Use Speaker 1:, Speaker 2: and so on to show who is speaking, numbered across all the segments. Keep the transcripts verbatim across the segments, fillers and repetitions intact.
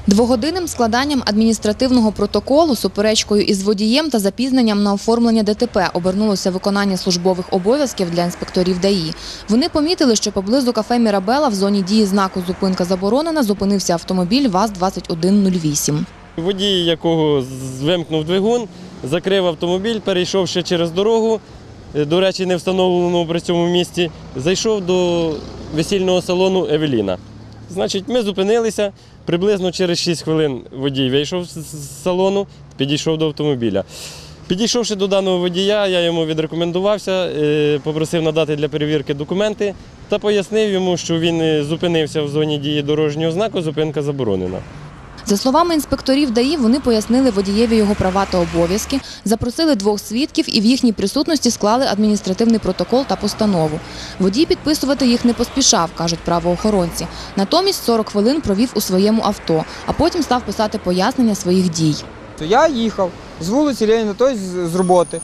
Speaker 1: Двогодинним складанням адміністративного протоколу, суперечкою із водієм та запізненням на оформлення ДТП обернулося виконання службових обов'язків для інспекторів ДАІ. Вони помітили, що поблизу кафе «Мірабелла» в зоні дії знаку «Зупинка заборонена» зупинився автомобіль ВАЗ двадцять один нуль вісім.
Speaker 2: Водій, якого вимкнув двигун, закрив автомобіль, перейшовши через дорогу, до речі, не встановленому при цьому місці, зайшов до весільного салону «Евеліна». Значить, ми зупинилися, приблизно через шість хвилин водій вийшов з салону, підійшов до автомобіля. Підійшовши до даного водія, я йому відрекомендувався, попросив надати для перевірки документи та пояснив йому, що він зупинився в зоні дії дорожнього знаку «Зупинка заборонена».
Speaker 1: За словами інспекторів ДАІ, вони пояснили водієві його права та обов'язки, запросили двох свідків і в їхній присутності склали адміністративний протокол та постанову. Водій підписувати їх не поспішав, кажуть правоохоронці. Натомість сорок хвилин провів у своєму авто, а потім став писати пояснення своїх дій.
Speaker 3: Я їхав з вулиці Леніна, тобто з роботи,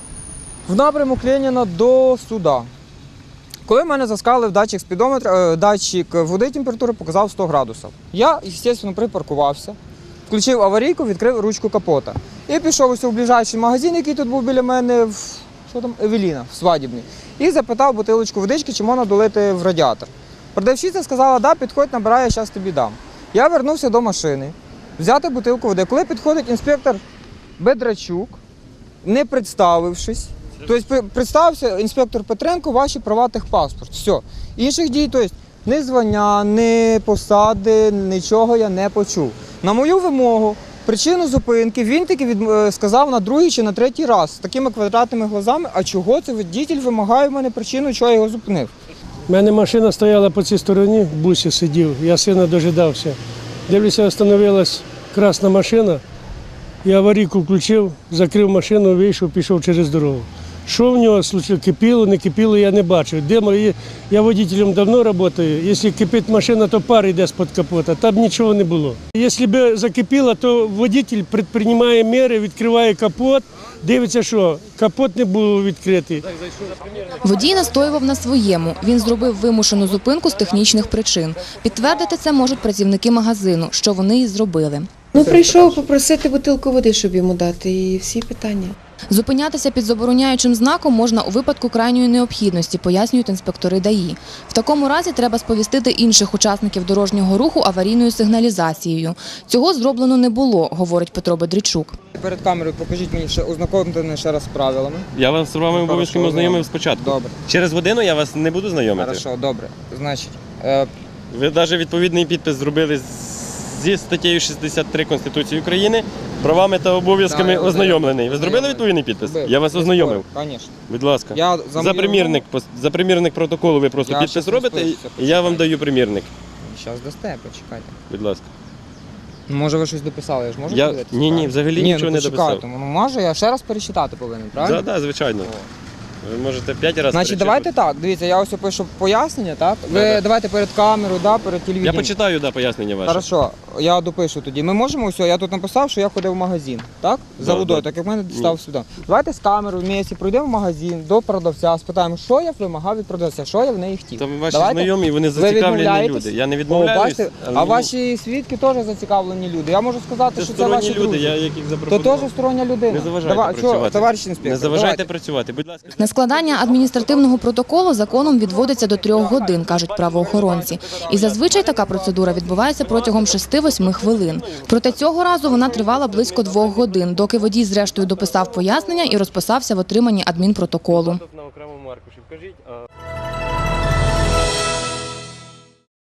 Speaker 3: в напрямок Леніна до суда. Коли в мене заскалив датчик спідометра, датчик води температури показав сто градусів. Я, звісно, припаркувався, включив аварійку, відкрив ручку капота. І пішов ось у ближайший магазин, який тут був біля мене, в, що там, «Евеліна», в свадібний. І запитав бутилочку водички, чи можна долити в радіатор. Продавщиця сказала, да, підходь, набирай, я зараз тобі дам. Я вернувся до машини, взяти бутилку води. Коли підходить інспектор Бедрачук, не представившись, тобто представився інспектор Петренко, ваші права, техпаспорт. Все. Інших дій, тобто ні звання, ні посади, нічого я не почув. На мою вимогу, причину зупинки він таки від... сказав на другий чи на третій раз з такими квадратними глазами, а чого це водій вимагає в мене причину, чого я його зупинив.
Speaker 4: У мене машина стояла по цій стороні, в бусі сидів, я сина дожидався. Дивлюся, встановилась красна машина, я аварійку включив, закрив машину, вийшов, пішов через дорогу. Що в нього случилось, кипіло, не кипіло, я не бачу. Де мої... Я водителем давно працюю, якщо кипить машина, то пар йде з-під капота, там нічого не було. Якщо б закипіло, то водитель предприймає міри, відкриває капот, дивиться, що капот не був відкритий.
Speaker 1: Водій настоював на своєму. Він зробив вимушену зупинку з технічних причин. Підтвердити це можуть працівники магазину, що вони і зробили.
Speaker 5: Ну, прийшов попросити бутилку води, щоб йому дати, і всі питання.
Speaker 1: Зупинятися під забороняючим знаком можна у випадку крайньої необхідності, пояснюють інспектори ДАІ. В такому разі треба сповістити інших учасників дорожнього руху аварійною сигналізацією. Цього зроблено не було, говорить Петро Бедрачук.
Speaker 3: Перед камерою покажіть мені, ще, ознакомте мене ще раз з правилами.
Speaker 2: Я вас з вами обов'язково ознайомив спочатку.
Speaker 3: Добре.
Speaker 2: Через годину я вас не буду знайомити.
Speaker 3: Хорошо, добре. Значить, е...
Speaker 2: Ви навіть відповідний підпис зробили зі статтею шістдесят три Конституції України, правами та обов'язками
Speaker 3: Да,
Speaker 2: ознайомлений. Ви зробили відповідний підпис?
Speaker 3: Зробив.
Speaker 2: Я вас ознайомив.
Speaker 3: Звісно.
Speaker 2: Будь ласка.
Speaker 3: Я за
Speaker 2: За примірник, за примірник протоколу ви просто
Speaker 3: Я
Speaker 2: підпис
Speaker 3: щас
Speaker 2: робите,
Speaker 3: розпишуся,
Speaker 2: і я вам даю примірник.
Speaker 3: Зараз дасте, почекайте.
Speaker 2: Будь ласка.
Speaker 3: Ну, може ви щось дописали, я ж можу
Speaker 2: Я...
Speaker 3: подивитися?
Speaker 2: Ні, ні, взагалі
Speaker 3: ні,
Speaker 2: нічого
Speaker 3: ну,
Speaker 2: не дописав.
Speaker 3: Ну, може, я ще раз перечитати повинен, правильно?
Speaker 2: Так, да, да, звичайно. Ви можете п'ять разів
Speaker 3: Значить, давайте так, дивіться, я ось пишу пояснення, так? Ви
Speaker 2: Да, да.
Speaker 3: давайте перед камерою, да, перед
Speaker 2: Я
Speaker 3: телевізором.
Speaker 2: почитаю, да, пояснення ваше.
Speaker 3: Хорошо, я допишу тоді. Ми можемо ось, я тут написав, що я ходив в магазин, так? За
Speaker 2: Да,
Speaker 3: водою,
Speaker 2: да.
Speaker 3: так як в мене дістав сюди. Давайте з камерою в місці пройдемо в магазин до продавця, спитаємо, що я вимагав від продавця, що я в неї хотів.
Speaker 2: Там ваші
Speaker 3: Давайте.
Speaker 2: знайомі, вони
Speaker 3: Ви
Speaker 2: зацікавлені
Speaker 3: відмовляєтесь?
Speaker 2: люди. Я не
Speaker 3: О,
Speaker 2: відмовляюсь.
Speaker 3: бачите, а ваші свідки теж зацікавлені люди. Я можу сказати,
Speaker 2: Це
Speaker 3: що це
Speaker 2: сторонні
Speaker 3: ваші
Speaker 2: люди,
Speaker 3: друзі.
Speaker 2: я яких
Speaker 3: То
Speaker 2: запропонував.
Speaker 3: теж стороння людина.
Speaker 2: Не заважайте
Speaker 3: Давай,
Speaker 2: працювати.
Speaker 3: Що, товариш інспектор,
Speaker 2: Не заважайте
Speaker 3: давайте.
Speaker 2: працювати, будь ласка.
Speaker 1: На складання адміністративного протоколу законом відводиться до трьох годин, кажуть правоохоронці. І зазвичай така процедура відбувається протягом шести-восьми хвилин. Проте цього разу вона тривала близько двох годин, доки водій зрештою дописав пояснення і розписався в отриманні адмінпротоколу.
Speaker 2: На окремому аркуші вкажіть.